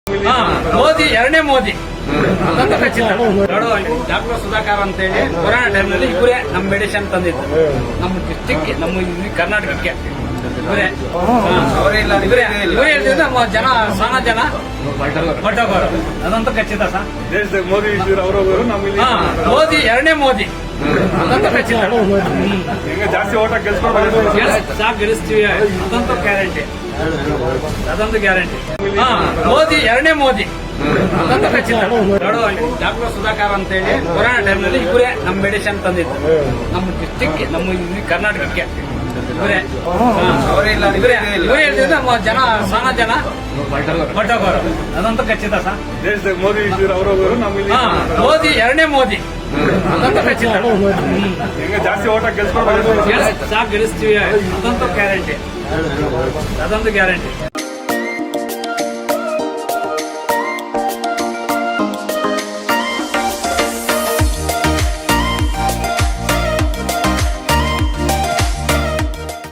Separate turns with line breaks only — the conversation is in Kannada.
ಮೋದಿ ಎರಡನೇ ಮೋದಿ ಅದಂತೂ ಖಚಿತ. ಡಾಕ್ಟರ್ ಸುಧಾಕರ್ ಅಂತ ಹೇಳಿ ಕೊರೋನಾ ಟೈಮ್ನಲ್ಲಿ ಇವರೇ ನಮ್ಮ ಮೆಡಿಸಿನ್ ತಂದಿದ್ದು ನಮ್ಮ ಡಿಸ್ಟಿಕ್, ನಮ್ಮ ಕರ್ನಾಟಕಕ್ಕೆ ಇವರೇ ಹೇಳ್ತಿದ್ರೆ ನಮ್ಮ ಜನ ಸಾನ ಜನ ಹೊಟ್ಟೋಗೋರು. ಅದಂತೂ ಖಚಿತ ಸರ್.
ದೇಶದಾಗ ಮೋದಿ ಅವರು
ಮೋದಿ ಎರಡನೇ ಮೋದಿ ಅದಂತೂ ಖಚಿತ.
ಜಾಸ್ತಿ ಓಟ ಗೆಲ್ಸ್ಕೊಂಡು
ಸಾಕು ಗೆಲ್ಲಿಸ್ತೀವಿ ಅದಂತೂ ಗ್ಯಾರಂಟಿ, ಅದೊಂದು ಗ್ಯಾರಂಟಿ. ಮೋದಿ ಎರಡನೇ ಮೋದಿ ಅದಂತೂ ಖಚಿತ. ಡಾಕ್ಟರ್ ಸುಧಾಕರ್ ಅಂತ ಹೇಳಿ ಕೊರೋನಾ ಟೈಮ್ನಲ್ಲಿ ಇವರೇ ನಮ್ಮ ಮೆಡಿಸಿನ್ ತಂದಿದ್ದು ನಮ್ಮ ಡಿಸ್ಟಿಕ್, ನಮ್ಮ ಕರ್ನಾಟಕಕ್ಕೆ ಇವರೇ ಹೇಳ್ತಿದ್ರೆ ನಮ್ಮ ಜನ ಸಾನ ಜನ ಹೊಟ್ಟೋಗೋರು. ಅದಂತೂ ಖಚಿತ ಸರ್.
ದೇಶದಾಗ ಮೋದಿ ಅವರು
ಮೋದಿ ಎರಡನೇ ಮೋದಿ ಅದಂತೂ ಖಚಿತ.
ಜಾಸ್ತಿ ಓಟ ಗೆಲ್ಸ್ಕೊಂಡು
ಸಾಕು ಗೆಲ್ಲಿಸ್ತೀವಿ ಅದಂತೂ ಗ್ಯಾರಂಟಿ, ಅದೊಂದು ಗ್ಯಾರಂಟಿ.